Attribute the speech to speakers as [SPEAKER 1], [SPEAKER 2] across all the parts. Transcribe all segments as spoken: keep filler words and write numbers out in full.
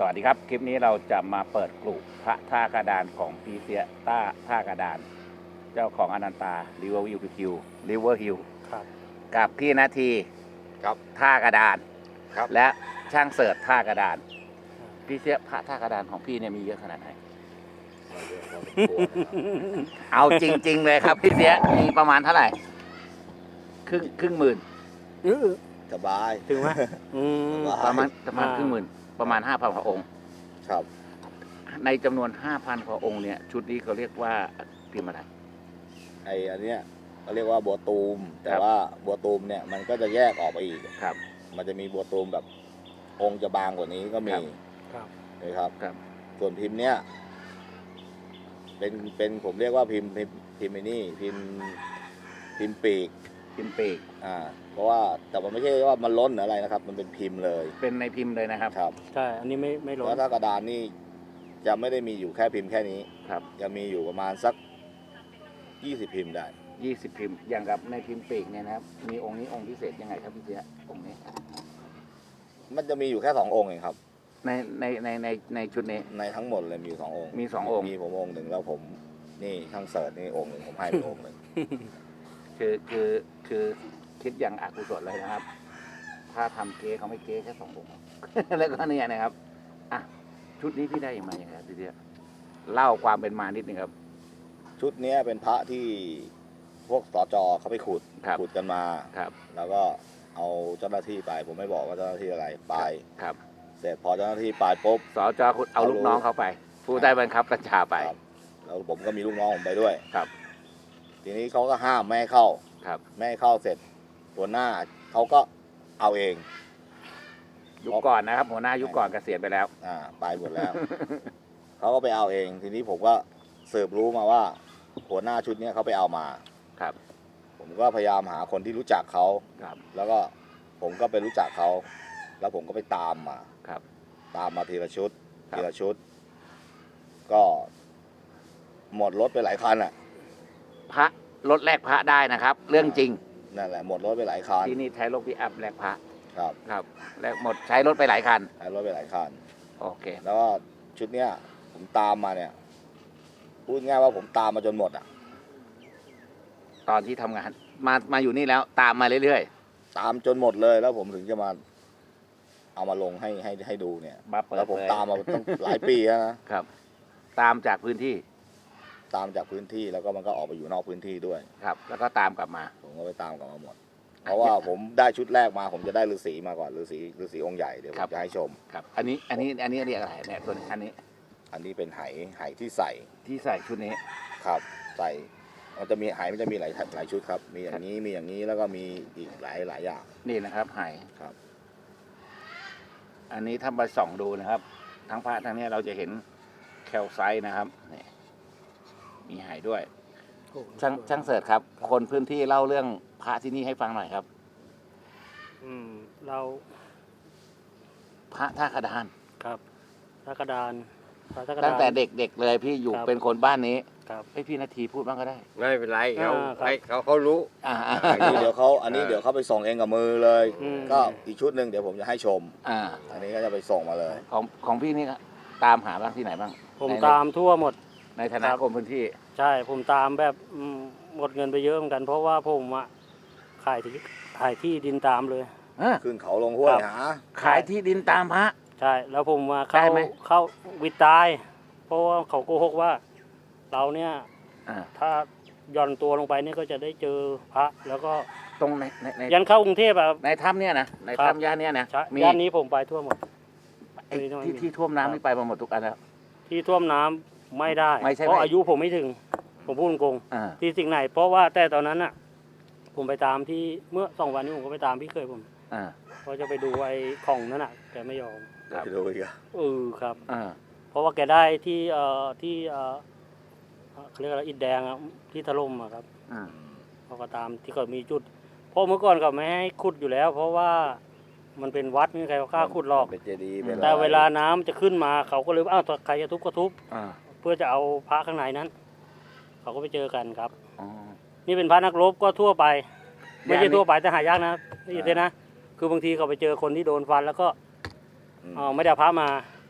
[SPEAKER 1] วัสดีครับคลิปนี้เราจะมาเปิดกลุ่มพระท่ากระดานของปีเสียต้าท่ากระดานเจ้าของอนันตาริเวอร์ฮิลฮิลริเวอร์ฮิลกับพี่นาที
[SPEAKER 2] ครับ
[SPEAKER 1] ท่ากระดาน
[SPEAKER 2] ครับ
[SPEAKER 1] และช่างเสิร์ชท่ากระดานพี่เสียพระท่ากระดานของพี่เนี่ยมีเยอะขนาดไหนเอาจริงๆเลยครับพี่เสียมีประมาณเท่าไหร่ครึ่งครึ่งหมื่น
[SPEAKER 2] สบาย
[SPEAKER 3] ถึงไหมอืม
[SPEAKER 1] ประมาณประมาณ
[SPEAKER 3] อ่า
[SPEAKER 1] ครึ่งหมื่นประมาณห้าพันพระองค์
[SPEAKER 2] ครับ
[SPEAKER 1] ในจำนวนห้าพันพระองค์เนี่ยชุดนี้เขาเรียกว่าพิมพ์อะไร
[SPEAKER 2] ไออันเนี้ยเขาเรียกว่าบัวตูม แต่
[SPEAKER 1] ครับ
[SPEAKER 2] ว่าบัวตูมเนี่ยมันก็จะแยกออกไปอีก
[SPEAKER 1] ครับ
[SPEAKER 2] มันจะมีบัวตูมแบบองค์จะบางกว่านี้ก็มี
[SPEAKER 1] ครับ
[SPEAKER 3] ครับ
[SPEAKER 2] นะครับ
[SPEAKER 1] ครับ
[SPEAKER 2] ส่วนพิมพ์เนี้ยเป็นเป็นผมเรียกว่าพิมพ์พิมพ์พิมพ์ไอ้นี่พิมพ์พิมพ์ปีก
[SPEAKER 1] พิมพ์ปีก
[SPEAKER 2] อ่าเพราะว่าแต่มันไม่ใช่ว่ามันล้นหรืออะไรนะครับ มันเป็นพิมพ์เลย
[SPEAKER 1] เป็นในพิมพ์เลยนะครับ
[SPEAKER 2] ครับ
[SPEAKER 3] ใช่ อันนี้ไม่ไม่ล้
[SPEAKER 2] แล้
[SPEAKER 3] น
[SPEAKER 2] วถ้ากระดานนี่จะไม่ได้มีอยู่แค่พิมพ์แค่นี้
[SPEAKER 1] ครับ
[SPEAKER 2] จะมีอยู่ประมาณสักยี่สิบพิมพ์ได้
[SPEAKER 1] ยี่สิบพิมพ์อย่างกับในพิมพ์ปีกเนี่ยนะครับมีองค์นี้องค์พิเศษยังไงครับพี่เสียองค์นี้
[SPEAKER 2] มันจะมีอยู่แค่สององค์เองครับ
[SPEAKER 1] ในในในในในชุดนี้
[SPEAKER 2] ในทั้งหมดเลยมีอยู่สององค์
[SPEAKER 1] มีสององค์
[SPEAKER 2] มีผมองค์หนึ่งแล้วผมนี่ช่างเสิร์ชนี่องค์หนึ่งผมให้ไปองค์หนึ่ง
[SPEAKER 1] คือคือคือคิดอย่างอกุศลเลยนะครับ ถ้าทำเก๊เขาไม่เก๊แค่สององค์ แล้วก็เนี่ยนะครับอ่ะชุดนี้พี่ได้ยังไงครับพี่เสียเล่าความเป็นมานิดนึงครับ
[SPEAKER 2] ชุดเนี้ยเป็นพระที่พวกสจเขาไปขุด
[SPEAKER 1] ครับ
[SPEAKER 2] ขุดกันมา
[SPEAKER 1] ครับ
[SPEAKER 2] แล้วก็เอาเจ้าหน้าที่ไป ผมไม่บอกว่าเจ้าหน้าที่อะไรไป
[SPEAKER 1] ครับ
[SPEAKER 2] เสร็จพอเจ้าหน้าที่ไปปุ๊บ
[SPEAKER 1] สจคุณเอาลูกน้องเขาไป ผู้ได้บังคับบัญชาไป
[SPEAKER 2] ครับแล้วผมก็มีลูกน้องผมไปด้วย
[SPEAKER 1] ครับ
[SPEAKER 2] ทีนี้เขาก็ห้ามไม่ให้เข้า
[SPEAKER 1] ครับ
[SPEAKER 2] ไม่ให้เข้าเสร็จหัวหน้าเขาก็เอาเอง
[SPEAKER 1] ยุคก่อนนะครับ หัวหน้ายุคก่อนเกษียณไปแล้ว
[SPEAKER 2] อ่าไปหมดแล้ว เขาก็ไปเอาเอง ทีนี้ผมก็สืบรู้มาว่า หัวหน้าชุดเนี้ยเขาไปเอามา
[SPEAKER 1] ครับ
[SPEAKER 2] ผมก็พยายามหาคนที่รู้จักเขา
[SPEAKER 1] ครับ
[SPEAKER 2] แล้วก็ผมก็ไปรู้จักเขา แล้วผมก็ไปตามมา
[SPEAKER 1] ครับ
[SPEAKER 2] ตามมาทีละชุด
[SPEAKER 1] ครับ
[SPEAKER 2] ทีละชุด ก็หมดรถไปหลายคันอ่ะ
[SPEAKER 1] พระรถแลกพระได้นะครับ เรื่องจริง
[SPEAKER 2] นั่นแหละหมดรถไปหลายคัน
[SPEAKER 1] ที่นี่ใช้รถพิอัพแลกพระ
[SPEAKER 2] ครับ
[SPEAKER 1] ครับแลกหมดใช้รถไปหลายคัน
[SPEAKER 2] ใช้รถไปหลายคัน
[SPEAKER 1] โอเค
[SPEAKER 2] แล้วก็ชุดเนี้ยผมตามมาเนี่ย พูดง่ายว่าผมตามมาจนหมดอ่ะ
[SPEAKER 1] ตอนที่ทำงาน มามาอยู่นี่แล้วตามมาเรื่อย
[SPEAKER 2] ตามจนหมดเลย แล้วผมถึงจะมา เอามาลงให้ให้ให้ดูเนี่ย
[SPEAKER 1] ๆ มาเปิด
[SPEAKER 2] แล้วผม
[SPEAKER 1] เผย
[SPEAKER 2] ตามมาตั้งหลายปีแล้วนะ
[SPEAKER 1] ครับ ตามจากพื้นที่
[SPEAKER 2] ตามจากพื้นที่แล้วก็มันก็ออกไปอยู่นอกพื้นที่ด้วย
[SPEAKER 1] ครับ แล้วก็ตามกลับมา
[SPEAKER 2] ผมก็ไปตามกลับมาหมด เพราะว่าผมได้ชุดแรกมา ผมจะได้ฤาษีมาก่อนฤาษีฤาษีองค์ใหญ่เดี๋ยวผ
[SPEAKER 1] ครับ
[SPEAKER 2] มจะให้ชม
[SPEAKER 1] ครับ อันนี้อันนี้อันนี้เรียกอะไรเนี่ยตัวนี้อันนี้
[SPEAKER 2] อันนี้เป็นไหไหที่ใส่
[SPEAKER 1] ที่ใส่ชุดนี้
[SPEAKER 2] ครับ ใส่มันจะมีไหมันจะมีหลายหลายชุดครับ มีอย่างนี้มีอย่างนี้แล้วก็มีอีกหลายหลายอย่าง
[SPEAKER 1] นี่นะครับไห
[SPEAKER 2] ครับ
[SPEAKER 1] อันนี้ถ้าไปส่องดูนะครับ ทั้งพระทั้งนี้เราจะเห็นแคลไซต์นะครับนี่มีไหด้วย
[SPEAKER 3] โอ้
[SPEAKER 1] ช่างช่างเสิร์ชครับ คนพื้นที่เล่าเรื่องพระที่นี่ให้ฟังหน่อยครับ
[SPEAKER 3] อืมเรา
[SPEAKER 1] พระท่ากระดาน
[SPEAKER 3] ครับพระกระดานพระกระดาน
[SPEAKER 1] ตั้งแต่เด็กๆเลยพี่อยู่
[SPEAKER 3] ครับ
[SPEAKER 1] เป็นคนบ้านนี้
[SPEAKER 3] ครับ
[SPEAKER 1] ให้พี่นาทีพูดบ้างก็ได้
[SPEAKER 4] ไม่เป็นไรเขา
[SPEAKER 3] อ่าครับ
[SPEAKER 4] ให้เขาเขารู้
[SPEAKER 1] อ่า
[SPEAKER 2] อันนี้เดี๋ยวเขาอันนี้เดี๋ยวเขาไปส่งเองกับมือเลย
[SPEAKER 3] อืม
[SPEAKER 2] ก็อีกชุดหนึ่งเดี๋ยวผมจะให้ชม
[SPEAKER 1] อ่า
[SPEAKER 2] อันนี้ก็จะไปส่งมาเลย
[SPEAKER 1] ของของพี่นี่ตามหาบ้างที่ไหนบ้าง
[SPEAKER 3] ผม
[SPEAKER 1] ใน
[SPEAKER 3] ตามทั่วหมด
[SPEAKER 1] ในฐานะครับ คนพื้นที่
[SPEAKER 3] ใช่ผมตามแบบอืมหมดเงินไปเยอะเหมือนกัน เพราะว่าผมอะขายที่ขายที่ดินตามเลย
[SPEAKER 1] เอ้อ
[SPEAKER 2] ขึ้นเขาลงห้วย
[SPEAKER 3] ครับ
[SPEAKER 2] หา
[SPEAKER 1] ขายที่ดินตามพระ
[SPEAKER 3] ใช่ แล้วผมมาเข้า
[SPEAKER 1] ได้ไหม
[SPEAKER 3] เข้าวิตาย เพราะว่าเขาโกหกว่า เราเนี่ย
[SPEAKER 1] อ่า
[SPEAKER 3] ถ้าหย่อนตัวลงไปเนี่ยก็จะได้เจอพระ แล้วก็
[SPEAKER 1] ตรงในในใน
[SPEAKER 3] ยันเข้ากรุงเทพอะครับ
[SPEAKER 1] ในถ้ำเนี่ยนะใน
[SPEAKER 3] ครับ
[SPEAKER 1] ถ้ำย่านเนี่ยนะ
[SPEAKER 3] ใช่
[SPEAKER 1] มี
[SPEAKER 3] ย่านนี้ผมไปทั่วหมด
[SPEAKER 1] ไอ้
[SPEAKER 3] มีน้อย
[SPEAKER 1] ที่
[SPEAKER 3] มี
[SPEAKER 1] ที่ท่วมน้ำนี่ไปมาหมดทุกอันแล้ว
[SPEAKER 3] ที่ท่วมน้ำไม่ได้
[SPEAKER 1] ไม่ใช่
[SPEAKER 3] เพราะ
[SPEAKER 1] ไม่
[SPEAKER 3] อายุผมไม่ถึง ผมพูดตรง
[SPEAKER 1] อ่า
[SPEAKER 3] ๆที่สิ่งไหน เพราะว่าแต่ตอนนั้นน่ะ ผมไปตามที่เมื่อสองวันนี้ผมก็ไปตามพี่เคยผม
[SPEAKER 1] อ่า
[SPEAKER 3] เขาจะไปดูไอ้ของนั่นน่ะแกไม่ยอม
[SPEAKER 1] ครับ
[SPEAKER 2] ไปดูอีกอะ
[SPEAKER 3] เออครับ
[SPEAKER 1] อ่า
[SPEAKER 3] เพราะว่าแกได้ที่เอ่อที่เอ่อเขาเรียกอะไรอิฐแดงอะที่ถล่มอะครับ
[SPEAKER 1] อ่า
[SPEAKER 3] เขาก็ตามที่เขามีจุดเพราะเมื่อก่อนเขาไม่ให้ขุดอยู่แล้ว เพราะว่ามันเป็นวัดไม่มีใครเขากล้าขุดหรอก
[SPEAKER 2] เป็นเจดีย์เป็นอะไร
[SPEAKER 3] แต่เวลาน้ำจะขึ้นมาเขาก็เลยว่าอ้าวใครจะทุบก็ทุบ
[SPEAKER 1] อ่า
[SPEAKER 3] เพื่อจะเอาพระข้างในนั้น เขาก็ไปเจอกันครับ
[SPEAKER 1] อ๋อ
[SPEAKER 3] นี่เป็นพระนักรบก็ทั่วไป ไม่
[SPEAKER 1] ย่าน
[SPEAKER 3] ใช่
[SPEAKER 1] นี้
[SPEAKER 3] ทั่วไปแต่หายากนะนี่เห็นนะ คือบางทีเขาไปเจอคนที่โดนฟันแล้วก็
[SPEAKER 2] อืม
[SPEAKER 3] เอ่อไม่ได้เอาพระมา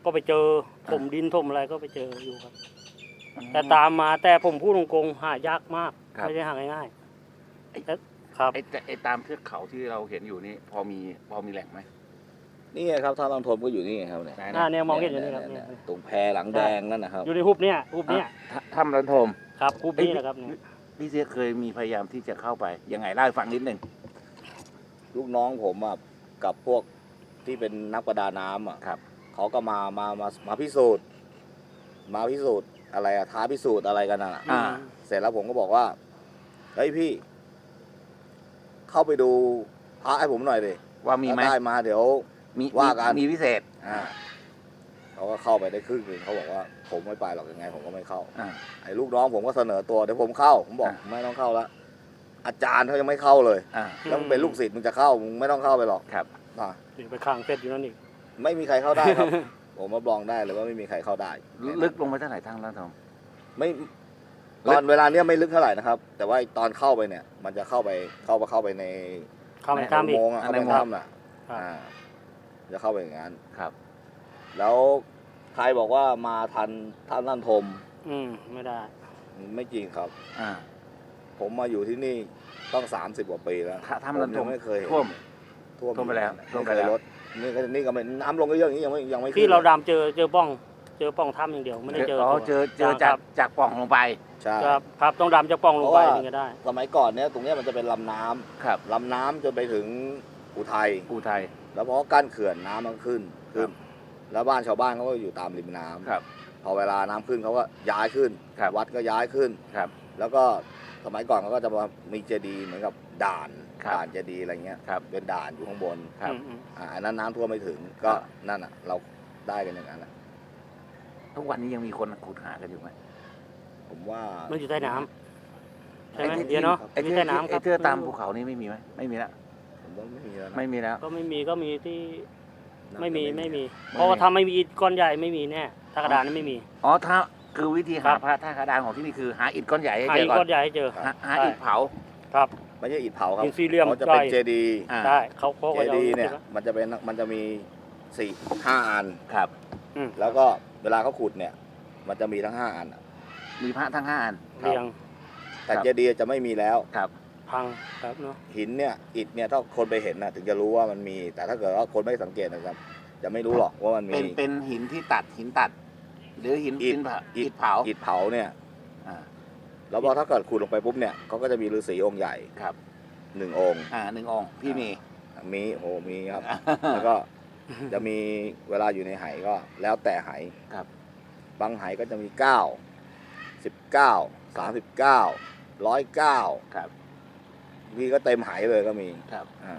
[SPEAKER 3] ก็ไปเจอถมดินถมอะไรก็ไปเจออยู่ครับ แต่ตามมาแต่ผมพูดตรงๆหายากมาก
[SPEAKER 1] ครับ
[SPEAKER 3] ไม่ได้หาง่าย
[SPEAKER 1] ไอ้
[SPEAKER 3] ๆแต่ครับ
[SPEAKER 1] ไอ้แต่ไอ้ตามเทือกเขาที่เราเห็นอยู่นี่พอมีพอมีแหล่งไหม
[SPEAKER 2] นี่ไงครับท่าลำทมก็อยู่นี่ไงครับเนี่ย
[SPEAKER 1] ไหน
[SPEAKER 3] หน้า
[SPEAKER 1] นะ
[SPEAKER 3] เนี่ยมองเห็นอยู่นี่ครับ
[SPEAKER 2] เนี่
[SPEAKER 3] เนี่ย ย
[SPEAKER 2] ตรงแพหลังแดงนั่นนะครับ
[SPEAKER 3] อยู่ในหุบเนี่ยหุบเนี่ย
[SPEAKER 1] อ่ะถ้ำรันทม
[SPEAKER 3] ครับหุบนี่แหละครับเนี่ย
[SPEAKER 1] พี่เสียเคยมีพยายามที่จะเข้าไปยังไงเล่าให้ฟังนิดหนึ่ง
[SPEAKER 2] ลูกน้องผมอ่ะกับพวกที่เป็นนักประดาน้ำอ่ะ
[SPEAKER 1] ครับ
[SPEAKER 2] เขาก็มามามามาพิสูจน์ มาพิสูจน์อะไรอะท้าพิสูจน์อะไรกันน่ะ
[SPEAKER 1] อ่า
[SPEAKER 2] เสร็จแล้วผมก็บอกว่าเฮ้ยพี่ เข้าไปดูพระให้ผมหน่อยดิ
[SPEAKER 1] ว่ามีไหม
[SPEAKER 2] ถ้าได้มาเดี๋ยว
[SPEAKER 1] มี
[SPEAKER 2] ว่ากัน
[SPEAKER 1] มีพิเศษ
[SPEAKER 2] อ่าเขาก็เข้าไปได้ครึ่งหนึงเขาบอกว่าผมไม่ไปหรอกยังไง ผมก็ไม่เข้า
[SPEAKER 1] อ่า
[SPEAKER 2] ไอ้ลูกน้องผมก็เสนอตัวเดี๋ยวผมเข้า ผมบอก
[SPEAKER 1] อ่ะ
[SPEAKER 2] ไม่ต้องเข้าแล้วอาจารย์เขายังไม่เข้าเลย
[SPEAKER 1] อ่า
[SPEAKER 2] แล้วมึงเป็นลูกศิษย์มึงจะเข้ามึงไม่ต้องเข้าไปหรอก
[SPEAKER 1] ครับ
[SPEAKER 2] อ่ะ
[SPEAKER 3] อยู่ไปข้างเสร็จอยู่นั่นอีก
[SPEAKER 2] ไม่มีใครเข้าได้ ครับ ผมรับรองได้เลยว่าไม่มีใครเข้าได้
[SPEAKER 1] ลึกลงไปเท่าไหร่ทั้งรันทม
[SPEAKER 2] ไม่ตอนเวลาเนี้ยไม่ลึกเท่าไหร่นะครับ แต่ว่าตอนเข้าไปเนี่ย มันจะเข้าไปเข้าไปเข้าไปใน
[SPEAKER 3] เข้าไปข้ามอีก
[SPEAKER 2] โมงค์อะเข้าไป
[SPEAKER 1] ใน
[SPEAKER 2] ใน
[SPEAKER 1] โมงค์
[SPEAKER 2] ถ้ำน่ะ
[SPEAKER 3] ครับ
[SPEAKER 2] อ่าจะเข้าไปอย่างนั้น
[SPEAKER 1] ครับ
[SPEAKER 2] แล้วใครบอกว่ามาทันท่านนั่นทม
[SPEAKER 3] อืมไม่ได้
[SPEAKER 2] ไม่จริงครับ
[SPEAKER 1] อ่า
[SPEAKER 2] ผมมาอยู่ที่นี่ต้องสามสิบกว่าปีแล้ว
[SPEAKER 1] ถ้าถ้ำรันท
[SPEAKER 2] ผม
[SPEAKER 1] ม
[SPEAKER 2] ยังไม่เคยเห็น
[SPEAKER 1] ท่วม
[SPEAKER 2] ท่วม
[SPEAKER 1] ท่วมไปแล้วท่วมไป
[SPEAKER 2] ไม่เคย
[SPEAKER 1] แล้ว
[SPEAKER 2] ลดนี่ก็นี่ก็ไม่น้ำลงก็เยอะอย่างนี้ยังไม่ยังไม่ขึ้น
[SPEAKER 3] ที่เราดำเจอเจอป้อง เจอป้องถ้ำอย่างเดียวไม่ได้เจอ
[SPEAKER 1] อ๋อ
[SPEAKER 3] ตัว
[SPEAKER 1] เจอเจอ
[SPEAKER 3] ค
[SPEAKER 1] จา
[SPEAKER 3] รั
[SPEAKER 1] ก
[SPEAKER 3] บ
[SPEAKER 1] จากปล่องลงไป
[SPEAKER 2] ใช่
[SPEAKER 3] ครับครับต้องดำจากป้องลงไป
[SPEAKER 2] เพราะว่า
[SPEAKER 3] ถึงจะได้
[SPEAKER 2] สมัยก่อนเนี้ยตรงเนี้ยมันจะเป็นลำน้ำ
[SPEAKER 1] ครับ
[SPEAKER 2] ลำน้ำจนไปถึงอุทัย
[SPEAKER 1] อูไทย
[SPEAKER 2] แล้วพอกั้นเขื่อนน้ำมันขึ้นขึ้น แล้วบ้านชาวบ้านเขาก็อยู่ตามริมน้ำ
[SPEAKER 1] ครับ
[SPEAKER 2] พอเวลาน้ำขึ้นเขาก็ย้ายขึ้น
[SPEAKER 1] ครับ
[SPEAKER 2] วัดก็ย้ายขึ้น
[SPEAKER 1] ครับ
[SPEAKER 2] แล้วก็สมัยก่อนเขาก็จะมามีเจดีย์เหมือนกับด่าน
[SPEAKER 1] ครับ
[SPEAKER 2] ด่านเจดีย์อะไรเงี้ย
[SPEAKER 1] ครับ
[SPEAKER 2] เป็นด่านอยู่ข้างบน
[SPEAKER 1] ครับ
[SPEAKER 3] อืมอืม
[SPEAKER 2] อ่าอันนั้นน้ำท่วมไม่ถึงก็
[SPEAKER 1] ครับ
[SPEAKER 2] นั่นอ่ะ เราได้กันอย่างนั้นแหละ
[SPEAKER 1] ทุกวันนี้ยังมีคนขุดหากันอยู่ไหม
[SPEAKER 2] ผมว่า
[SPEAKER 3] มันอยู่ใต้น้ำใช่ไหม
[SPEAKER 2] ไอ้ที่
[SPEAKER 3] เดี๋ยวเนาะ
[SPEAKER 1] ไอ้
[SPEAKER 3] อยู่
[SPEAKER 1] เทือ
[SPEAKER 3] ใต้
[SPEAKER 1] ก
[SPEAKER 3] น้ำค
[SPEAKER 1] ไอ้
[SPEAKER 3] รับ
[SPEAKER 1] เทือกตามภูเขานี่ไม่มีไหมไม่มีแล้ว
[SPEAKER 2] ผมว่าไม่มีแล้วนะ
[SPEAKER 1] ไม่มีแล้ว
[SPEAKER 3] ก็ไม่มีก็มีที่
[SPEAKER 2] น่าจะ
[SPEAKER 3] ไม่มี
[SPEAKER 2] ไม่
[SPEAKER 3] ไม่
[SPEAKER 2] มี
[SPEAKER 3] มี เพราะว่าถ้าไม่มีอิฐก้อนใหญ่ไม่มีแน่ถ้ากระดานนั้นไม่มี
[SPEAKER 1] อ๋อถ้าคือวิธี
[SPEAKER 3] ครั
[SPEAKER 1] หา
[SPEAKER 3] บ
[SPEAKER 1] พระท่ากระดานของที่นี่คือหาอิฐก้อนใหญ่ให้
[SPEAKER 3] หา
[SPEAKER 1] เจ
[SPEAKER 3] อิ
[SPEAKER 1] อ
[SPEAKER 3] ฐ
[SPEAKER 1] ก่อ
[SPEAKER 3] ก้อน นใหญ่ให้เจอ
[SPEAKER 1] หาหา
[SPEAKER 3] ใช่
[SPEAKER 1] อิฐเผา
[SPEAKER 3] ครับ
[SPEAKER 2] ไม่ใช่อิฐเผาครับ
[SPEAKER 3] หินสี่เหลี่ยม
[SPEAKER 2] เขาจะเป็น
[SPEAKER 3] ใหญ่
[SPEAKER 2] เจดีย์
[SPEAKER 1] อ่า
[SPEAKER 3] ได้เขาเขา
[SPEAKER 2] เจ
[SPEAKER 3] ก็จะเอา
[SPEAKER 2] ดีย์เนี่ย
[SPEAKER 3] ไว้
[SPEAKER 2] มันจะเป็นมันจะมีสี่ห้าอัน
[SPEAKER 1] ครับ
[SPEAKER 3] อืม
[SPEAKER 2] แล้วก็เวลาเขาขุดเนี่ย มันจะมีทั้งห้าอันอะ
[SPEAKER 1] มีพระทั้งห้าอัน
[SPEAKER 3] เรียง
[SPEAKER 2] แต่
[SPEAKER 1] ครับ
[SPEAKER 2] เจดีย์จะไม่มีแล้ว
[SPEAKER 1] ครับ
[SPEAKER 3] พังครับเนาะ
[SPEAKER 2] หินเนี่ยอิฐเนี่ยถ้าคนไปเห็นนะถึงจะรู้ว่ามันมี แต่ถ้าเกิดว่าคนไม่สังเกตนะครับ จะไม่รู้หรอกว่ามันมี
[SPEAKER 1] เป็นเป็นหินที่ตัดหินตัด หรือหิน
[SPEAKER 2] อิฐ
[SPEAKER 1] หินเผา
[SPEAKER 2] อิ
[SPEAKER 1] อิ
[SPEAKER 2] ฐ
[SPEAKER 1] ฐเผา
[SPEAKER 2] อิฐเผาเนี่ย
[SPEAKER 1] อ่า
[SPEAKER 2] แล้วพอถ้าเกิดขุดลงไปปุ๊บเนี่ยเขาก็จะมีฤาษีองค์ใหญ่
[SPEAKER 1] ครับ
[SPEAKER 2] หนึ่งองค์
[SPEAKER 1] อ่าหนึ่งองค์พี่มี
[SPEAKER 2] มีโอ้มีครับ แล้วก็จะมีเวลาอยู่ในไหก็แล้วแต่ไห
[SPEAKER 1] ครับ
[SPEAKER 2] บางไหก็จะมีเก้าสิบเก้าสามสิบเก้าร้อยเก้า
[SPEAKER 1] ครับ
[SPEAKER 2] พี่ก็เต็มไหเลยก็มี
[SPEAKER 1] ครับ
[SPEAKER 2] อ่า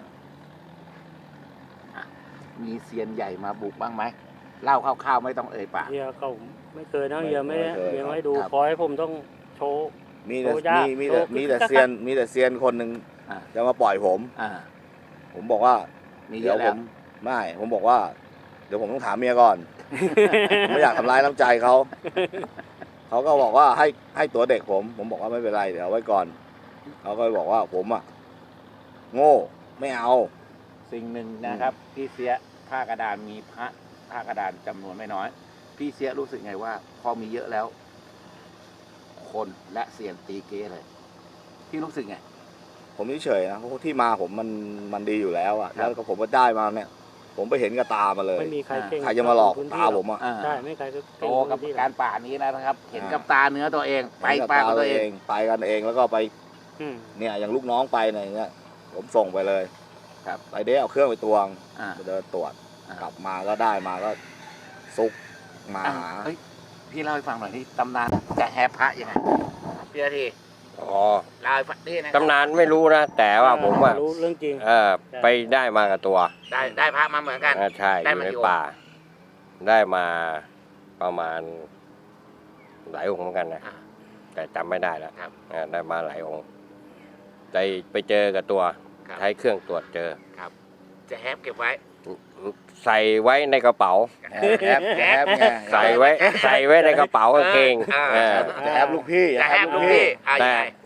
[SPEAKER 1] มีเซียนใหญ่มาบุกบ้างไหมเล่าคร่าวๆไม่ต้องเอ่ยปาก
[SPEAKER 3] เฮียเขาไม่เคยนะเฮียไม่ได้
[SPEAKER 2] ไม่เคย
[SPEAKER 3] เฮียไม่ให้ดู
[SPEAKER 1] ครับ
[SPEAKER 3] ขอให้ผมต้องโชว์
[SPEAKER 2] มีแต่
[SPEAKER 3] โอ้ยาก
[SPEAKER 2] มีมีแต่
[SPEAKER 3] โอ้
[SPEAKER 2] มีแต่
[SPEAKER 3] คึกคัก
[SPEAKER 2] เซียนมีแต่เซียนคนหนึ่ง
[SPEAKER 1] อ่า
[SPEAKER 2] จะมาปล่อยผม
[SPEAKER 1] อ่า
[SPEAKER 2] ผมบอกว่า
[SPEAKER 1] มีเย
[SPEAKER 2] เดี๋ยว
[SPEAKER 1] อะ
[SPEAKER 2] ผ
[SPEAKER 1] แล้ว
[SPEAKER 2] มไม่ผมบอกว่า เดี๋ยวผมต้องถามเมียก่อน ผมไม่อยากทำร้ายน้ำใจเขาเขาก็บอกว่าให้ให้ตัวเด็กผม ผมบอกว่าไม่เป็นไรเดี๋ยวเอาไว้ก่อนเขาก็บอกว่าผมอ่ะโง่ไม่เอา
[SPEAKER 1] สิ่งหนึ่งนะครับ พี่เสียท่ากระดานมีพระท่ากระดานจำนวนไม่น้อย พี่เสียรู้สึกไงว่า พอมีเยอะแล้ว คนและเซียนตีเก้เลย พี่รู้สึกไง
[SPEAKER 2] ผมเฉยๆนะเพราะที่มาผมมันมันดีอยู่แล้วอ่ะ
[SPEAKER 1] ครั
[SPEAKER 2] แล้
[SPEAKER 1] บ
[SPEAKER 2] วก็ผมก็ได้มาเนี่ย ผมไปเห็นกับตามาเลย
[SPEAKER 3] ไม่มีใครเก่ง
[SPEAKER 2] ใครจะมาหลอก
[SPEAKER 3] พื้น
[SPEAKER 2] ตา
[SPEAKER 3] ที่
[SPEAKER 2] ผมอ่ะ
[SPEAKER 1] อ่า
[SPEAKER 3] ใช่ไม่ใครก็
[SPEAKER 1] โต
[SPEAKER 3] เก่ง
[SPEAKER 1] กับ
[SPEAKER 3] พื้นที่หร
[SPEAKER 1] กา
[SPEAKER 3] อก
[SPEAKER 1] รป่านี้แล้วนะครับ เห็น
[SPEAKER 2] อ่า
[SPEAKER 1] กับตาเนื้อตัวเอง ไป
[SPEAKER 2] เห็นกับ
[SPEAKER 1] ป่า
[SPEAKER 2] ตา
[SPEAKER 1] กับตัวเอง
[SPEAKER 2] ไปกันเองแล้วก็ไป
[SPEAKER 3] อืม
[SPEAKER 2] เนี่ยอย่างลูกน้องไปเนี่ยอย่างเงี้ยผมส่งไปเลย
[SPEAKER 1] ครับ
[SPEAKER 2] ไปเด้เอาเครื่องไปตวง
[SPEAKER 1] อ่า
[SPEAKER 2] ไปเดินตรวจ
[SPEAKER 1] อ่าก
[SPEAKER 2] ลับมาก็ได้มาก็ซุกมา
[SPEAKER 1] อ่ะ
[SPEAKER 2] หา
[SPEAKER 1] เฮ้ยพี่เล่าให้ฟังหน่อยที่ตำนานจะแฮพระยังไงพี่อาที
[SPEAKER 4] อ๋อ
[SPEAKER 1] เล่าให้ฟังนี่นะ
[SPEAKER 4] ตำนานไม่รู้นะ แต่ว่าผมว่า
[SPEAKER 3] รู้เรื่องจริง
[SPEAKER 4] เออไปได้มากับตัว
[SPEAKER 1] ได้ได้พระมาเหมือนกัน
[SPEAKER 4] อ่าใช่อ
[SPEAKER 1] ได้
[SPEAKER 4] ยู่
[SPEAKER 1] มา
[SPEAKER 4] ใน
[SPEAKER 1] กี่องค์
[SPEAKER 4] ป่า ได้มาประมาณหลายองค์เหมือนกันนะ
[SPEAKER 1] อ่า
[SPEAKER 4] แต่จำไม่ได้แล้ว
[SPEAKER 1] ครับ
[SPEAKER 4] อ่าได้มาหลายองค์ได้ไปเจอกับตัว
[SPEAKER 1] ครับ
[SPEAKER 4] ใช้เครื่องตรวจเจอ
[SPEAKER 1] ครับ จะแฮปเก็บไว้
[SPEAKER 4] ใส่ไว้ในกระเป๋า
[SPEAKER 2] แอบแอบแอบไง
[SPEAKER 4] ใส่ไว้ ใส่ไว้ในกระเป๋ากางเกง
[SPEAKER 1] อ่า
[SPEAKER 4] เออ
[SPEAKER 2] จะแอบลูกพี่
[SPEAKER 1] จะแฮปลูกพี่อ่ะ
[SPEAKER 4] แต่
[SPEAKER 1] ยังไง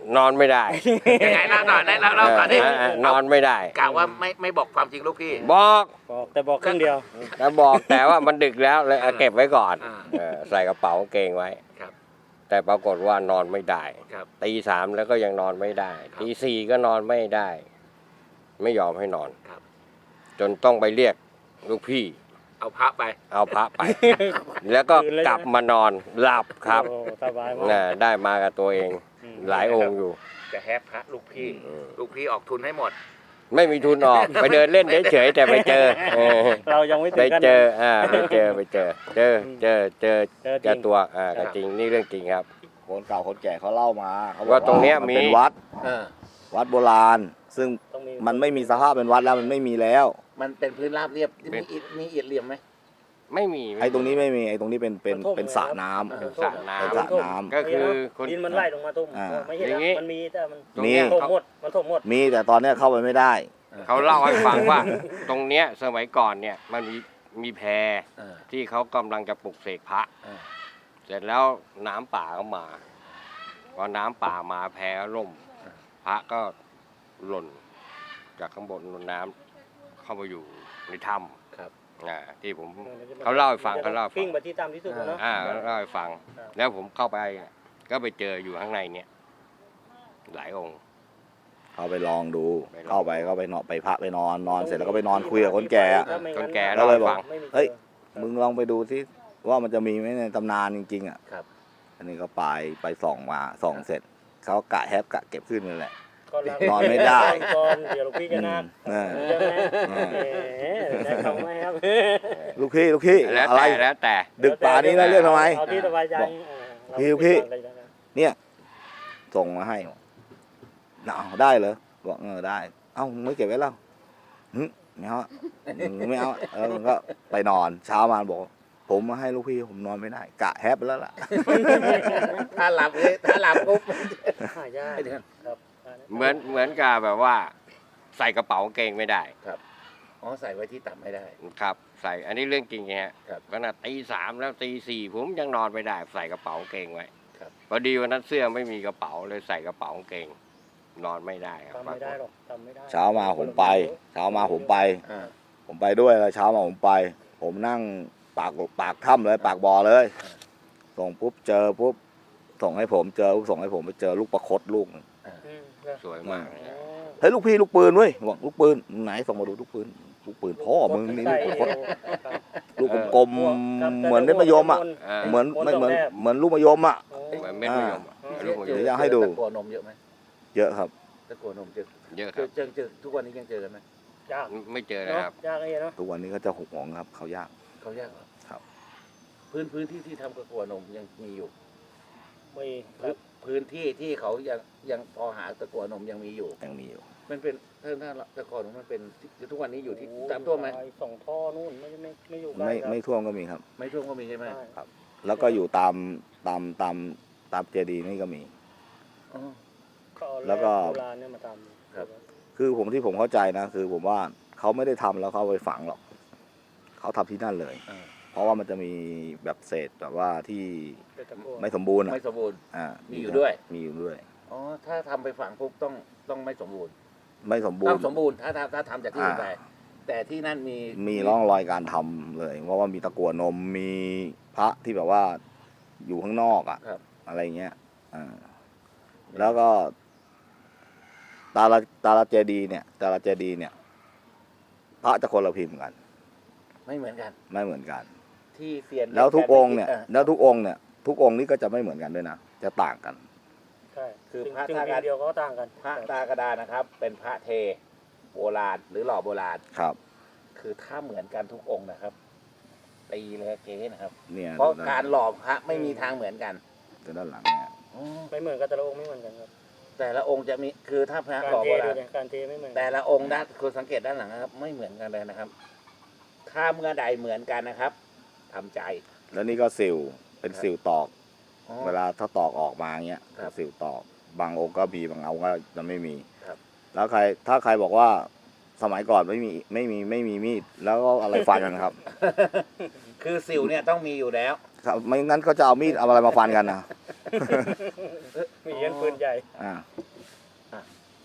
[SPEAKER 4] นอนไม่ได้
[SPEAKER 1] ยังไงเล่าหน่อยเล่าเล่าก่อนดิ
[SPEAKER 4] เออเออนอนไม่ได้
[SPEAKER 1] กล่าวว่าไม่ไม่บอกความจริงลูกพี่
[SPEAKER 4] บอก
[SPEAKER 3] บอกแต่บอกครึ่งเดียว
[SPEAKER 4] แล้วบอกแต่ว่ามันดึกแล้วเลยเอาเก็บไว้ก่อน
[SPEAKER 1] อ่า
[SPEAKER 4] เออใส่กระเป๋ากางเกงไว้
[SPEAKER 1] ครับ
[SPEAKER 4] แต่ปรากฏว่านอนไม่ได้
[SPEAKER 1] ครับ
[SPEAKER 4] ตีสามแล้วก็ยังนอนไม่ได้
[SPEAKER 1] ครับ
[SPEAKER 4] ตีสี่ก็นอนไม่ได้ ไม่ยอมให้นอน
[SPEAKER 1] ครับ
[SPEAKER 4] จนต้องไปเรียกลูกพี่
[SPEAKER 1] เอาพระไป
[SPEAKER 4] เอาพระไป แล้วก็
[SPEAKER 3] คืนเลย
[SPEAKER 4] กลับมานอนหลับครับ
[SPEAKER 3] โอ้สบายมาก
[SPEAKER 4] น่ะได้มากับตัวเอง
[SPEAKER 3] อืม
[SPEAKER 4] หลายองค์อยู่
[SPEAKER 1] จะแฮปพระลูกพี่
[SPEAKER 4] อืม
[SPEAKER 1] ลูกพี่ออกทุนให้หมมด
[SPEAKER 4] ไม่มีทุนออก ไปเดินเล่นเฉยๆแต่ไปเจอเออ
[SPEAKER 3] เรายังไม่
[SPEAKER 4] ไป
[SPEAKER 3] ถึงกัน
[SPEAKER 4] เจออ่าไปเจอไปเจอ เจอเจอเจอ
[SPEAKER 3] เจอจ
[SPEAKER 4] เจ
[SPEAKER 3] ริ
[SPEAKER 4] อง ตัวอ่าก็จริงนี่เรื่องจริงครับ
[SPEAKER 2] คนเก่าคนแก่เขาเล่ามาเขาบอก
[SPEAKER 4] ว่าตรงเนี้ย
[SPEAKER 2] มัน
[SPEAKER 4] มี
[SPEAKER 2] เป็นวัด
[SPEAKER 1] เออ
[SPEAKER 2] วัดโบราณ ซึ่ง
[SPEAKER 3] ต้องมี
[SPEAKER 2] มันไม่มีสภาพเป็นวัดแล้วมันไม่มีแล้ว
[SPEAKER 1] มันเป็นพื้นราบเรียบ
[SPEAKER 4] เป็
[SPEAKER 1] มี
[SPEAKER 4] น
[SPEAKER 1] อิฐมีอิฐเหลี่ยมไหม
[SPEAKER 4] ไม่มี
[SPEAKER 2] ไอ้ตรงนี้ไม่มีไอ้ตรงนี้เป็นเป็นเป็นสระน้ำ
[SPEAKER 1] เออ
[SPEAKER 4] สระน้
[SPEAKER 2] เป็นสระน้ำ
[SPEAKER 4] ำก็คือคน
[SPEAKER 3] ดินมันไหลลงมาทุ่ม
[SPEAKER 2] อ่า
[SPEAKER 3] ไม่ใช่
[SPEAKER 4] อย่างงี้
[SPEAKER 3] นะมันมีแต่มัน
[SPEAKER 4] ตรงเนี้ย
[SPEAKER 3] ถม
[SPEAKER 4] เขา
[SPEAKER 3] หมดมันถมหมด
[SPEAKER 2] มีแต่ตอนเนี้ยเข้าไปไม่ได้
[SPEAKER 4] เขาเล่าให้ฟังว่า ตรงเนี้ยสมัยก่อนเนี่ยมันมีมีแพ
[SPEAKER 1] เออ
[SPEAKER 4] ที่เขากำลังจะปลุกเสกพระ
[SPEAKER 1] เออ
[SPEAKER 4] เสร็จแล้วน้ำป่าก็มาพอน้ำป่ามาแพล่ม พระก็หล่นจากข้างบนน้ำเข้ามาอยู่ในถ้ำ
[SPEAKER 1] ครับ
[SPEAKER 4] อ่าที่ผม เขาเล่าให้ฟังเขาเล่าให้ฟัง
[SPEAKER 3] ปิ้งไปที่ต่ำที่สุดแล้วเนาะ
[SPEAKER 4] อ่าเล่าให้ฟัง
[SPEAKER 3] ครับ
[SPEAKER 4] แล้วผมเข้าไปเนี่ยก็ไปเจออยู่ข้างในเนี่ย หลายองค์
[SPEAKER 2] เขาไปลองดู
[SPEAKER 4] ไปลอง
[SPEAKER 2] เข้าไปก็ไปนอนไปพระไปนอนนอนเสร็จแล้วก็ไปนอนคุยกับคนแก่อะ
[SPEAKER 3] ถ้าไม่
[SPEAKER 4] คน
[SPEAKER 3] งั้
[SPEAKER 4] แก่
[SPEAKER 3] น
[SPEAKER 4] เล่าให้ฟัง
[SPEAKER 3] ไม่มี
[SPEAKER 2] เฮ้ย
[SPEAKER 3] จอ
[SPEAKER 2] มึงลองไปดูที่ว่ามันจะมีไหมในตำนานจริงๆอ่ะ
[SPEAKER 1] ครับ
[SPEAKER 2] อันนี้ก็ไปไปส่องมาส่องเสร็จเขากะแฮปกะเก็บขึ้นนั่นแหละ
[SPEAKER 3] ก็ล้าง
[SPEAKER 2] นอนไม่ได้
[SPEAKER 3] ก่อนเดี๋ยวลูกพี่จะนัก
[SPEAKER 2] เออ
[SPEAKER 3] ใช่ไหม
[SPEAKER 2] เออ
[SPEAKER 3] แหมได้เขาไหมครับ
[SPEAKER 2] ลูกพี่ลูกพี่
[SPEAKER 4] แล้ว
[SPEAKER 2] อะไร
[SPEAKER 4] แต่แล้วแต่
[SPEAKER 2] ดึกป่านี้แล้วเรียกทำไม
[SPEAKER 3] เอาที่สบายใจ
[SPEAKER 2] บอก
[SPEAKER 3] เออ
[SPEAKER 2] พี่พี่
[SPEAKER 3] เราไม่ติดอะไรนะ
[SPEAKER 2] เนี่ยส่งมาให้เอาได้เหรอบอกเออได้ เอ้ามึงไม่เก็บไว้แล้วหึไม่เอาอะมึงไม่เอาอะเออมึงก็ไปนอนเช้ามาบอก ผมมาให้ลูกพี่ผมนอนไม่ได้ กะแฮปไปแล้วล่ะ
[SPEAKER 1] ถ้าหลับเลยถ้าหลับปุ๊บ
[SPEAKER 3] หายาก
[SPEAKER 1] ไม่ถึง
[SPEAKER 3] ครับ
[SPEAKER 4] เหมือนเหมือนกับแบบว่า ใส่กระเป๋ากางเกงไม่ได้
[SPEAKER 1] อ๋อใส่ไว้ที่ต่ำไม่ได้
[SPEAKER 4] ครับ ใส่อันนี้เรื่องจริงไงฮะ
[SPEAKER 1] ครับ
[SPEAKER 4] ขนาดตีสามแล้วตีสี่ผมยังนอนไม่ได้ ใส่กระเป๋ากางเกงไว้
[SPEAKER 1] ครับ
[SPEAKER 4] พอดีวันนั้นเสื้อไม่มีกระเป๋าเลยใส่กระเป๋ากางเกง นอนไม่ได้ครับ
[SPEAKER 3] ทำไม่ได้หรอกทำไม่ได้
[SPEAKER 2] เช้ามาผมไป เช้ามาผมไป
[SPEAKER 1] อ่า
[SPEAKER 2] ผมไปด้วยแล้วเช้ามาผมไป ผมนั่งปากปากถ้ำเลย ปากบ่อเลย ส่งปุ๊บเจอปุ๊บส่งให้ผมเจอปุ๊บส่งให้ผมไปเจอลูกประคดลูกหนึ่ง
[SPEAKER 3] อืมนะ
[SPEAKER 4] สวยมากเลย
[SPEAKER 3] อ๋
[SPEAKER 4] นะ
[SPEAKER 3] อ
[SPEAKER 2] เฮ้ยลูกพี่ลูกปืนเว้ยบอกลูกปืนไหนส่งมาดูลูกปืนลูกปืนพ่อมึงนี่ลูกประคด
[SPEAKER 3] ครับ
[SPEAKER 2] ลูกกลม
[SPEAKER 3] ครับ
[SPEAKER 2] ๆเหมือนเม็ดมะยมอ่ะ
[SPEAKER 4] เออ
[SPEAKER 2] เหมือนไม่เหมือนเหมือนลูกมะยมอ่ะ
[SPEAKER 3] โอ้
[SPEAKER 4] เหมือนเม็ดมะยมอะ
[SPEAKER 3] อ่า
[SPEAKER 4] ลูกมะย
[SPEAKER 2] เดี๋
[SPEAKER 4] ม
[SPEAKER 2] ยวจะให้ดู
[SPEAKER 1] ตะกัวนมเยอะไหม
[SPEAKER 2] เยอะครับ
[SPEAKER 1] ตะกัวนมเจอ
[SPEAKER 4] เยอะ
[SPEAKER 1] เจ
[SPEAKER 4] ครั
[SPEAKER 1] อบ เจอเจอทุกวันนี้ยังเจอกันไหม
[SPEAKER 3] ยาก
[SPEAKER 4] ไม่เจอ
[SPEAKER 3] เนาะ
[SPEAKER 4] นะครับ
[SPEAKER 3] ยากไอ้เนาะ
[SPEAKER 2] ทุกวันนี้ก็จะหกหมองครับเขายาก
[SPEAKER 1] เขายากเหรอ
[SPEAKER 2] ครับ
[SPEAKER 1] พื้นพื้นที่ที่ทำตะกัวนมยังมีอยู่
[SPEAKER 3] ไม่ค
[SPEAKER 1] พื้
[SPEAKER 3] รั
[SPEAKER 1] น
[SPEAKER 3] บ
[SPEAKER 1] พื้นที่ที่เขายังยังพอหาตะกัวนมยังมีอยู่
[SPEAKER 2] ยังมีอยู่
[SPEAKER 1] มันเป็นถ้าถ้าตะกัวนมมันเป็นทุกวันนี้อยู่ที่ตามตัวไหม
[SPEAKER 3] ไอ้สองท่อนู่นไม่ไม่ไม่อยู่ใกล้
[SPEAKER 2] ไม่
[SPEAKER 3] ครับ
[SPEAKER 2] ไม่ท่วมก็มีครับ
[SPEAKER 1] ไม่ท่วมก็มีใช่ไหม
[SPEAKER 3] ใช่
[SPEAKER 2] แล้วก็อยู่ตามตามตามตามเจดีย์นี่ก็มี
[SPEAKER 1] อ๋อ
[SPEAKER 3] ก็เอา
[SPEAKER 2] แล้วก็
[SPEAKER 3] โบราณเนี่ยมาทำ
[SPEAKER 1] ครับ
[SPEAKER 2] คือผมที่ผมเข้าใจนะ คือผมว่าเขาไม่ได้ทำแล้วเขาเอาไปฝังหรอกเขาทำที่นั่นเลย
[SPEAKER 1] อ่า
[SPEAKER 2] เพราะว่ามันจะมีแบบเศษแบบว่าที่
[SPEAKER 3] เป็นตะกั่ว
[SPEAKER 2] ไม่สมบูรณ์อะ
[SPEAKER 1] ไม่สมบูรณ์
[SPEAKER 2] อ่า
[SPEAKER 1] มี
[SPEAKER 2] มี
[SPEAKER 1] อยู่ด้วย
[SPEAKER 2] มีอยู่ด้วย
[SPEAKER 1] อ๋อถ้าทำไปฝังปุ๊บต้องต้องไม่สมบูรณ์
[SPEAKER 2] ไม่สมบูร
[SPEAKER 1] ต้อง
[SPEAKER 2] ณ์
[SPEAKER 1] สมบูรณ์ถ้าถ้าถ้าทำจากที่อื่น
[SPEAKER 2] อ่า
[SPEAKER 1] ไปแต่ที่นั่นมี
[SPEAKER 2] มีร่องรอยการทำเลย เพราะว่ามีตะกั่วนมมีพระที่แบบว่าอยู่ข้างนอกอะ
[SPEAKER 1] ครับ
[SPEAKER 2] อะไรเงี้ยอ่าแล้วก็ ตาลาตาลาเจดีย์เนี่ยตาลาเจดีย์เนี่ย พระจะคนละพิมพ์กัน
[SPEAKER 1] ไม่เหมือนกัน
[SPEAKER 2] ไม่เหมือนกัน
[SPEAKER 1] ที่เซียน
[SPEAKER 2] แล้วทุกองค์เนี่ย
[SPEAKER 1] า
[SPEAKER 2] แล้วทุกองค์เนี่ย ทุกองค์นี้ก็จะไม่เหมือนกันด้วยนะจะต่างกัน
[SPEAKER 3] ใช่
[SPEAKER 1] คือ
[SPEAKER 3] ซึ่ง
[SPEAKER 1] พระ
[SPEAKER 3] ซึ่ง
[SPEAKER 1] ท่า
[SPEAKER 3] พิม
[SPEAKER 1] กัน
[SPEAKER 3] พ์เดียวเขาก็ต่างกัน
[SPEAKER 1] พระตากระดานนะครับ เป็นพระเทโบราณหรือหล่อโบราณ
[SPEAKER 2] ครับ
[SPEAKER 1] คือถ้าเหมือนกันทุกองค์นะครับตีเลยเก๊นะครับ
[SPEAKER 2] เนี่ย
[SPEAKER 1] เพราะ
[SPEAKER 2] ดูด้น
[SPEAKER 1] การหล่อพระไม่มีทางเหมือนกัน
[SPEAKER 2] ดูด้านหลังเนี่ย
[SPEAKER 1] อ๋อ
[SPEAKER 3] ไม่เหมือนกันแต่ละองค์ไม่เหมือนกันครับ
[SPEAKER 1] แต่ละองค์จะมีคือถ้าพระ
[SPEAKER 3] การ
[SPEAKER 1] หล่อ
[SPEAKER 3] เท
[SPEAKER 1] โบ
[SPEAKER 3] ด้
[SPEAKER 1] รา
[SPEAKER 3] วย
[SPEAKER 1] ณ
[SPEAKER 3] นะการเทไม่เหมือนกัน
[SPEAKER 1] แต่ละองค์ด้านคุณสังเกตด้านหลังนะครับ ไม่เหมือนกันเลยนะครับ ถ้าเมื่อใดเหมือนกันนะครับทำใจ
[SPEAKER 2] แล้วนี่ก็สิวเป็น
[SPEAKER 1] ครับ
[SPEAKER 2] สิวตอก
[SPEAKER 1] อ๋อ
[SPEAKER 2] เวลาถ้าตอกออกมาเงี้ย
[SPEAKER 1] ครับ
[SPEAKER 2] สิวตอกบางองค์ก็มีบางองค์ก็จะไม่มี
[SPEAKER 1] ครับ
[SPEAKER 2] แล้วใครถ้าใครบอกว่าสมัยก่อนไม่มีไม่มีไม่มีมีดแล้วก็อะไรฟันกันครับ
[SPEAKER 1] คือสิวเนี่ยต้องมีอยู่แล้ว
[SPEAKER 2] ครับไม่งั้นก็จะเอามีดเอาอะไรมาฟันกันนะ
[SPEAKER 3] มีเย็นปืนใหญ่
[SPEAKER 2] อ่า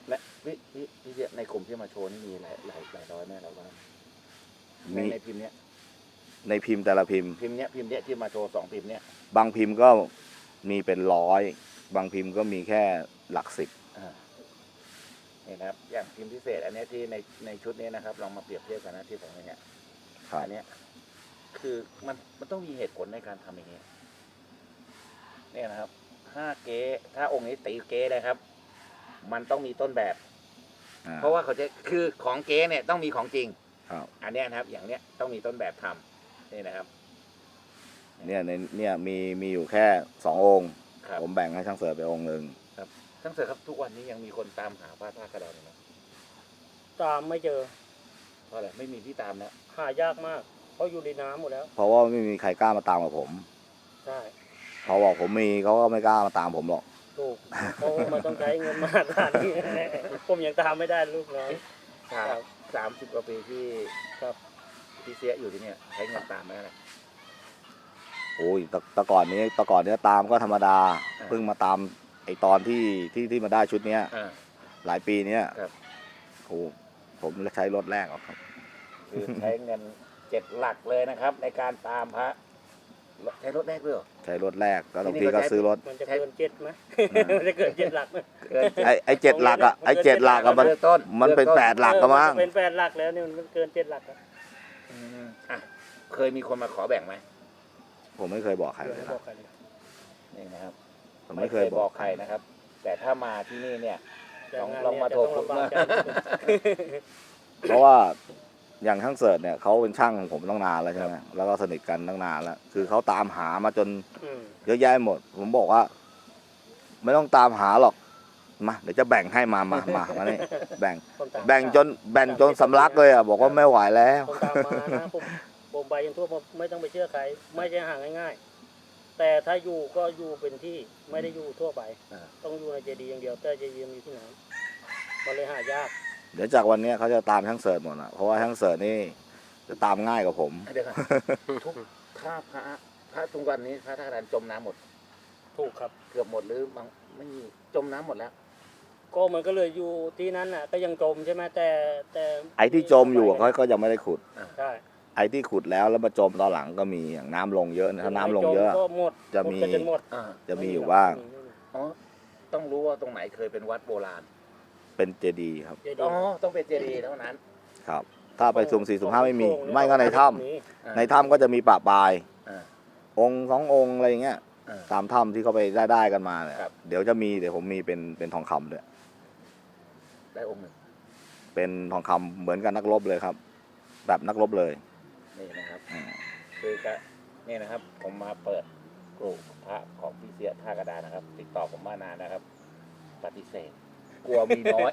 [SPEAKER 1] และพี่พี่พี่เจี๊ยบในกลุ่มที่มาโชว์นี่มีหลายหลายหลายร้อยแน่เราบ้างใน
[SPEAKER 2] มี
[SPEAKER 1] ในพิมพ์เนี้ย
[SPEAKER 2] ในพิมพ์แต่ละพิมพ์
[SPEAKER 1] พิมพ์เนี้ยพิมพ์เนี้ยที่มาโชว์สองพิมพ์เนี้ย
[SPEAKER 2] บางพิมพ์ก็มีเป็นร้อยบางพิมพ์ก็มีแค่หลักสิบ
[SPEAKER 1] อ่านี่นะครับอย่างพิมพ์พิเศษ อันเนี้ยที่ในในชุดนี้นะครับลองมาเปรียบเทียบกันนะที่ผมอย่างเงี้ย
[SPEAKER 2] ครับ
[SPEAKER 1] อันเนี้ยคือมันมันต้องมีเหตุผลในการทำอย่างเงี้ยเนี่ยนะครับถ้าเก๊ถ้าองค์นี้ตีเก๊นะครับ มันต้องมีต้นแบบ
[SPEAKER 2] อ่า
[SPEAKER 1] เพราะว่าเขาจะคือของเก๊เนี่ยต้องมีของจริง
[SPEAKER 2] ครับ
[SPEAKER 1] อันเนี้ยนะครับ อย่างเนี้ยต้องมีต้นแบบทำนี่นะครับ
[SPEAKER 2] เนี่ยในเนี่ยมีมีอยู่แค่สององค์
[SPEAKER 1] ครับ
[SPEAKER 2] ผมแบ่งให้ช่างเสิร์ฟไปองค์หนึ่ง
[SPEAKER 1] ทั้งเสือครับทุกวันนี้ยังมีคนตามหาพระธาตุกระดานอยู่นะ
[SPEAKER 3] ตามไม่เจอ
[SPEAKER 1] เพราะอะไรไม่มีที่ตามแล้ว
[SPEAKER 3] หายากมาก เพราะอยู่ในน้ำหมดแล้ว
[SPEAKER 2] เพราะว่าไม่มีใครกล้ามาตามกับผม
[SPEAKER 3] ใช่
[SPEAKER 2] เขาบอกผมมีเขาก็ไม่กล้ามาตามผมหรอก
[SPEAKER 3] ถูกเพราะว่ามันต้องใช้เงินมหาศาลนี่ผมยังตามไม่ได้ลูกน้อย
[SPEAKER 1] สามสามสิบกว่าปีที่
[SPEAKER 3] ครับ
[SPEAKER 1] ที่เสียอยู่ที่เนี่ยใช้เงินตามไหมอะไร
[SPEAKER 2] โอ้ยแตแตะก่อนนี้แตะก่อนเนี้ยตามก็ธรรมดา
[SPEAKER 1] อ่า
[SPEAKER 2] เพิ่งมาตามไอตอนที่ที่ที่มาได้ชุดเนี้ย
[SPEAKER 1] อ่า
[SPEAKER 2] หลายปีเนี้ย
[SPEAKER 1] ครับ
[SPEAKER 2] โอ้ผมใช้รถแรกหรอกครับ
[SPEAKER 1] คือใช้เงินเจ็ดหลักเลยนะครับ ในการตามพระใช้รถแรกด้วยเหรอ
[SPEAKER 2] ใช้รถแรกแล้วบาง
[SPEAKER 1] ที่
[SPEAKER 2] ที
[SPEAKER 1] นี่ก็
[SPEAKER 2] ก็
[SPEAKER 1] ใช้
[SPEAKER 2] ซื้อรถ
[SPEAKER 3] มันจะเกินเจ็ดไหม มันจะเกินเจ็ดหลักไหม
[SPEAKER 1] เกิน
[SPEAKER 2] ไอไอเจ็ดหลักอ่ะไอเจ็ดหลักอะมัน
[SPEAKER 1] เริ่มต้น
[SPEAKER 2] มันเป็นแปดหลักก็มั้ง
[SPEAKER 3] เออเป็นแปดหลักแล้วเนี่ยมันเกินเจ็ดหลักอะ
[SPEAKER 1] อืมอ่ะเคยมีคนมาขอแบ่งไหม
[SPEAKER 2] ผมไม่เคยบอกใคร
[SPEAKER 3] เดี๋ยว
[SPEAKER 2] เลย
[SPEAKER 3] ให้บอ
[SPEAKER 2] นะ
[SPEAKER 3] กใครเลย
[SPEAKER 1] นี่นะครับ
[SPEAKER 2] ผมไม่เคยบอก
[SPEAKER 1] ใครนะครับ แต่ถ้ามาที่นี่เนี่ย
[SPEAKER 3] แต่
[SPEAKER 1] ลอง
[SPEAKER 3] งาน
[SPEAKER 1] ลองมา
[SPEAKER 3] เนี่ย
[SPEAKER 1] โทร
[SPEAKER 3] จะต้องลำบากใจ
[SPEAKER 2] เพราะว่าอย่างช่างเสิร์ชเนี่ยเขาเป็นช่างของผมตั้งนานแล้วใช่ไหมแล้วก็สนิทกันตั้งนานแล้ว คือเขาตามหามาจน
[SPEAKER 3] อืม
[SPEAKER 2] เยอะแยะหมด ผมบอกว่า ไม่ต้องตามหาหรอกมาเดี๋ยวจะแบ่งให้มามามามานี่แบ่ง
[SPEAKER 3] คนตาม
[SPEAKER 2] แบ่งจนแบ่งจนสำลักเลยอ่ะบอกว่าไม่ไหวแล้ว
[SPEAKER 3] คนตามมานะผมผมไปยันทั่วผมไม่ต้องไปเชื่อใคร ไม่ใช่หาง่ายๆ แต่ถ้าอยู่ก็อยู่เป็นที่ไม่ได้อยู่ทั่วไป
[SPEAKER 1] อ่า
[SPEAKER 3] ต้องอยู่ในเจดีย์อย่างเดียว แต่เจดีย์มันอยู่ที่ไหนมันเลยหายาก
[SPEAKER 2] เดี๋ยวจากวันนี้เขาจะตามช่างเสิร์ชหมดอ่ะเพราะว่าช่างเสิร์ชนี่จะตามง่ายกว่าผม
[SPEAKER 1] เดี๋ยวก่อนทุกถ้าพระพระทุกวันนี้พระธาตุกระดานจมน้ำหมด
[SPEAKER 3] ถูกครับ
[SPEAKER 1] เกือบหมดหรือบางไม่มีจมน้ำหมดแล้ว
[SPEAKER 3] ก็มันก็เลยอยู่ที่นั้นน่ะ ก็ยังจมใช่ไหมแต่แต่
[SPEAKER 2] ไอ้ที่จมอยู่อะเขาก็ยังไม่ได้ขุด
[SPEAKER 3] ใช่
[SPEAKER 2] ไอ้ที่ขุดแล้วแล้วมาจมตอนหลังก็มีอย่างน้ำลงเยอะนะถ้าน้ำลงเยอะ
[SPEAKER 3] ก็หมด
[SPEAKER 2] จะมี
[SPEAKER 3] หดกันจนหมด
[SPEAKER 1] อ่า
[SPEAKER 2] จะมีอยู่บ้าง
[SPEAKER 1] อ๋อต้องรู้ว่าตรงไหนเคยเป็นวัดโบราณ
[SPEAKER 2] เป็นเจดีย์ครับ
[SPEAKER 3] เจดี
[SPEAKER 1] อ๋อ
[SPEAKER 3] ย์
[SPEAKER 1] ต้องเป็นเจดีย์เท่านั้น
[SPEAKER 2] ครับ ถ้าไปสุ่มสี่สุ่มห้าไม่มี
[SPEAKER 3] โอ่ง
[SPEAKER 2] ไม่ก็ในถ้
[SPEAKER 3] มี
[SPEAKER 2] ำในถ้ำก็จะมีปะปลาย
[SPEAKER 1] อ่า
[SPEAKER 2] องค์สององค์อะไรอย่างเงี้ย
[SPEAKER 1] อ่า
[SPEAKER 2] ตามถ้ำที่เขาไปได้ได้กันมาเนี่ย
[SPEAKER 1] ครับ
[SPEAKER 2] เดี๋ยวจะมีเดี๋ยวผมมีเป็นเป็นทองคำด้วย
[SPEAKER 1] ได้องค์หนึ่ง
[SPEAKER 2] เป็นทองคำเหมือนกับนักรบเลยครับ แบบนักรบเลย
[SPEAKER 1] นี่นะครับ
[SPEAKER 2] อืม
[SPEAKER 1] คือก็นี่นะครับ ผมมาเปิดกลุ่มพระของพี่เสียท่ากระดานนะครับ ติดต่อผมมานานนะครับ ปฏิเสธ กลัวมีน้อย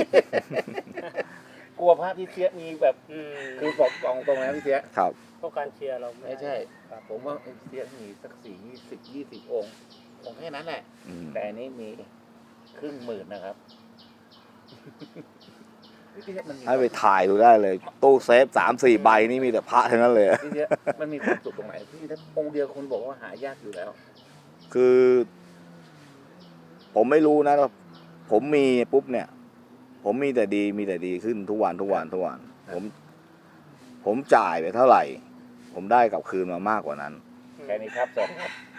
[SPEAKER 1] กลัวพระพี่เสียมีแบบ
[SPEAKER 3] อืม
[SPEAKER 1] คือบอกกองตรงนะพี่เสีย
[SPEAKER 2] ครับ
[SPEAKER 3] เพราะการเชียร์เรา
[SPEAKER 1] ไม่ใช่ ผมว่าพี่เสียมีสักสี่ยี่สิบยี่สิบองค์องค์แค่นั้นแหละ
[SPEAKER 2] อืม
[SPEAKER 1] แต่อันนี้มีครึ่งหมื่นนะครับ พี่เสียมันมี
[SPEAKER 2] ให้ไปถ่ายดูได้เลย ตู้เซฟสามสี่ใบนี่มีแต่พระทั้งนั้นเลย
[SPEAKER 1] พี่เสียมันมีความสุขตรงไหนพี่ถ้าองค์เดียวคนบอกว่าหายากอยู่แล้ว
[SPEAKER 2] คือ ผมไม่รู้นะผมมีปุ๊บเนี่ย ผมมีแต่ดีมีแต่ดีขึ้นทุกวันทุกวันทุกวัน ผม ผมจ่ายไปเท่าไหร่ ผมได้กลับคืนมามากกว่านั้น
[SPEAKER 1] แค่นี้ครับสวัสดีครับ